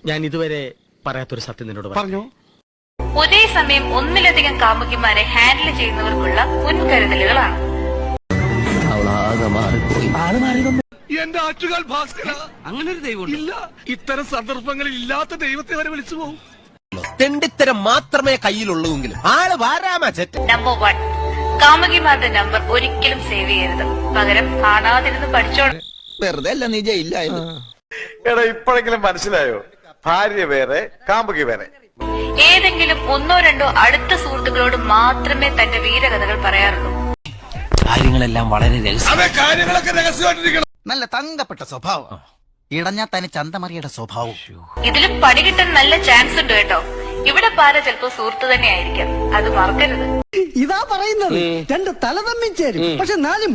ഞാൻ ഇതുവരെ പറയാത്തൊരു സത്യം നിന്നോട് പറഞ്ഞു. ഒരേ സമയം ഒന്നിലധികം കാമുകിമാരെ ഹാൻഡിൽ ചെയ്യുന്നവർക്കുള്ള മുൻകരുതലുകളാണ്. എന്റെ ആറ്റുകാൽ ഭാസ്കര, അങ്ങനെ ഒരു ദൈവം ഇല്ല. ഇത്തരം സന്ദർഭങ്ങളിൽ ഇല്ലാത്ത ദൈവത്തെ വരെ വിളിച്ചു പോകും. തെണ്ടിത്തരം മാത്രമേ കയ്യിലുള്ളൂവെങ്കിലും ആള് വാരാമറ്റ. നമ്പർ 1, കാമുകിമാരുടെ നമ്പർ ഒരിക്കലും സേവ് ചെയ്യരുത്. പകരം കാണാതിരുന്ന് പഠിച്ചോണം. വെറുതെ അല്ല നീ ജയിലായത്. എടാ ഇപ്പോഴെങ്കിലും മനസ്സിലായോ? ഭാര്യ വേറെ, കാമുകി വേറെ. ഏതെങ്കിലും ഒന്നോ രണ്ടോ അടുത്ത സുഹൃത്തുക്കളോട് മാത്രമേ തന്റെ വീരകഥകൾ പറയാറുള്ളൂ. കാര്യങ്ങളെല്ലാം വളരെ കാര്യങ്ങളൊക്കെ രഹസ്യമായിട്ടിരിക്കണം. നല്ല തങ്കപ്പെട്ട സ്വഭാവം, ഇടഞ്ഞാ തന്നെ ചന്തമറിയുടെ സ്വഭാവം. ഇതിലും പണി കിട്ടാൻ നല്ല ചാൻസ് ഉണ്ട് കേട്ടോ. ഇവിടെ പാര ചിലപ്പോ സുഹൃത്ത് തന്നെ ആയിരിക്കാം, അത് മറക്കരുത്. ഇതാ പറയുന്നത്, രണ്ട് തല തമ്മിൽ ചേരും. പക്ഷെ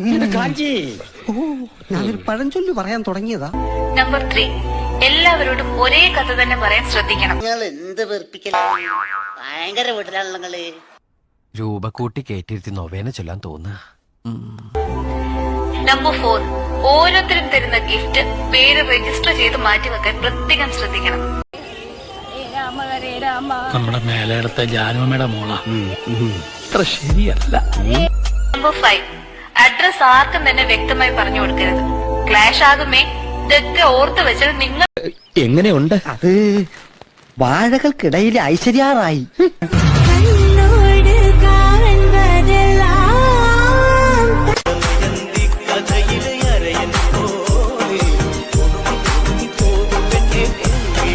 ഞാനൊരു പഴഞ്ചൊല്ലി പറയാൻ തുടങ്ങിയതാ. നമ്പർ 3, എല്ലാവരോടും ഒരേ കഥ തന്നെ പറയാൻ ശ്രദ്ധിക്കണം. എന്ത് വെറുപ്പിക്കലാണ്, ഭയങ്കര വീട്ടിലാണല്ലോ നിങ്ങള്. രൂപ കൂട്ടി കേട്ടിരുത്തി നൊവേന ചൊല്ലാൻ തോന്നുക. നമ്പർ 4, ഓരോരുത്തരും തരുന്ന ഗിഫ്റ്റ് പേര് രജിസ്റ്റർ ചെയ്ത് മാറ്റിവെക്കാൻ പ്രത്യേകം ശ്രദ്ധിക്കണം. നമ്മുടെ മേലെടുത്ത ജാനുമ്മയുടെ മോളാ, അത്ര ശരിയല്ല. നമ്പർ 5, അഡ്രസ് ആർക്കും തന്നെ വ്യക്തമായി പറഞ്ഞു കൊടുക്കരുത്. ക്ലാഷ് ആകുമേ. ഇതൊക്കെ ഓർത്ത് വെച്ചാൽ നിങ്ങൾ എങ്ങനെയുണ്ട്? അത് വാഴകൾക്കിടയിൽ ഐശ്വര്യാറായി.